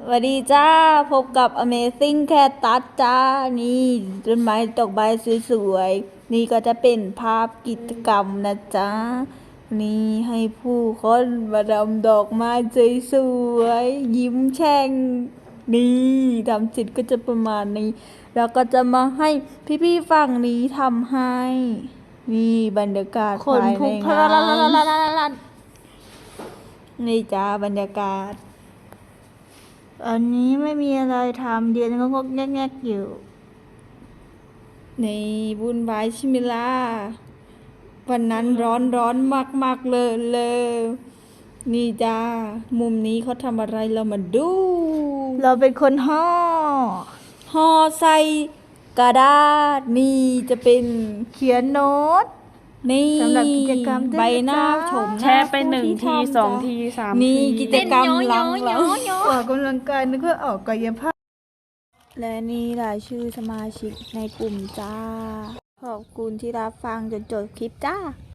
สวัสดีจ้าพบกับ Amazing Cat ตัดจ้านี่ต้นไม้ดอกใบสวยๆนี่ก็จะเป็นภาพกิจกรรมนะจ๊ะนี่ให้ผู้คนมาดำดอกไม้สวยๆยิ้มแฉ่งนี่ทำเสร็จก็จะประมาณนี้แล้วก็จะมาให้พี่ๆฝั่งนี้ทำให้นี่บรรยากาศคนภายพลุในกพงาล่านนี่จ้าบรรยากาศอันนี้ไม่มีอะไรทำเดือนก็งกแงกๆอยู่ในวุ่นวายใช่ไหมล่ะวันนั้นร้อนมากเลยนี่จ้ามุมนี้เขาทำอะไรเรามาดู เราเป็นคนห่อใส่กระดาษนี่จะเป็นเขียนโน้ตนี่สำหรับกิจกรรมใบหน้าชมแชร์ไป1 ที2 ที 3 นี่ทีกิจกรรมหลังเราออกกำลังกายนึกว่าออกกายภาพและนี่รายชื่อสมาชิกในกลุ่มจ้า ขอบคุณที่รับฟังจนจบคลิปจ้า